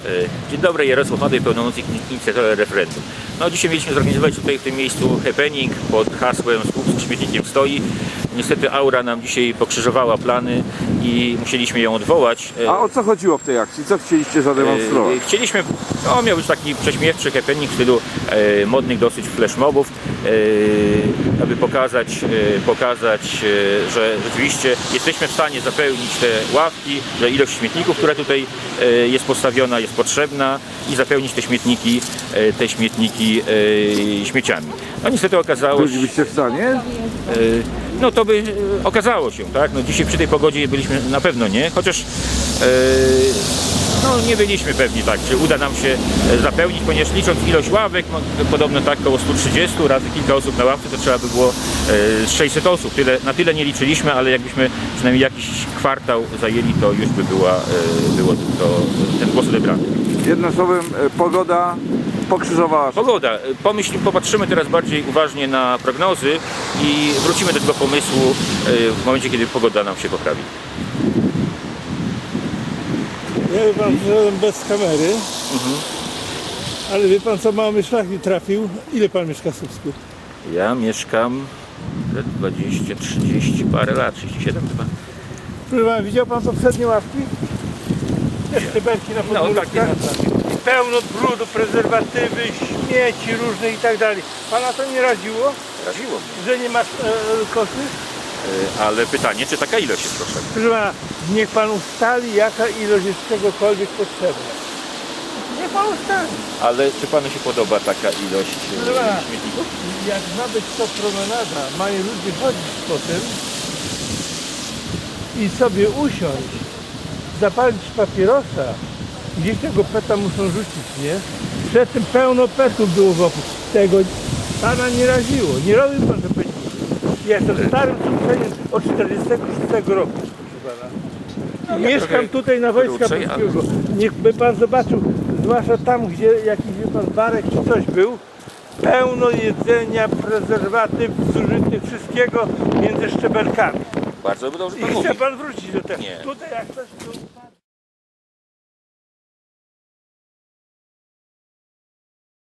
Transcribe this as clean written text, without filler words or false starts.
Dzień dobry, Jarosław Madej, pełnomocnik inicjatora referendum. No, dzisiaj mieliśmy zorganizować tutaj w tym miejscu happening pod hasłem "Słup z śmietnikiem stoi". Niestety aura nam dzisiaj pokrzyżowała plany i musieliśmy ją odwołać. A o co chodziło w tej akcji? Co chcieliście zademonstrować? Chcieliśmy, miał być taki prześmiewczy happening w stylu modnych dosyć flashmobów, aby pokazać, że rzeczywiście jesteśmy w stanie zapełnić te ławki, że ilość śmietników, która tutaj jest postawiona, jest potrzebna i zapełnić te śmietniki śmieciami. No niestety okazało się... Bylibyście w stanie? No to by okazało się, tak? No dzisiaj przy tej pogodzie byliśmy na pewno nie, chociaż no nie byliśmy pewni, tak, czy uda nam się zapełnić, ponieważ licząc ilość ławek, podobno tak około 130 razy kilka osób na ławce, to trzeba by było z 600 osób. Na tyle nie liczyliśmy, ale jakbyśmy przynajmniej jakiś kwartał zajęli, to już by ten głos odebrany. Jednym słowem, pogoda pokrzyżowała. Pogoda. Popatrzymy teraz bardziej uważnie na prognozy i wrócimy do tego pomysłu w momencie, kiedy pogoda nam się poprawi. Ja wie pan, że bez kamery, ale wie pan co, mały szlak mi trafił. Ile pan mieszka w Słupsku? Ja mieszkam 20, 30 parę lat, 37 chyba. Proszę pana, widział pan poprzednie ławki? Te sztyberki na podmurkach. I pełno brudu, prezerwatywy, śmieci różne i tak dalej. Pana to nie raziło? Raziło mnie. Że nie ma koszy? Ale pytanie, czy taka ilość jest potrzebna? Proszę pana, niech pan ustali, jaka ilość jest czegokolwiek potrzebna. Niech pan ustali. Ale czy panu się podoba taka ilość Proszę pana, śmietników? jak ma być to promenada, mają ludzie chodzić po tym i sobie usiąść, zapalić papierosa, gdzieś tego peta muszą rzucić, nie? Przedtem pełno petów było wokół. Tego pana nie raziło, nie robił pan to peniądze. Ja jestem starym słupczeniem od 46 roku, proszę pana. I mieszkam tutaj na Wojska Polskiego. Niechby pan zobaczył, zwłaszcza tam, gdzie jakiś wie pan barek czy coś był, pełno jedzenia, prezerwatyw, zużytych, wszystkiego między szczebelkami. Bardzo dobrze I pan chce mówi. pan wrócić do tego. Nie. Tutaj jak coś tu...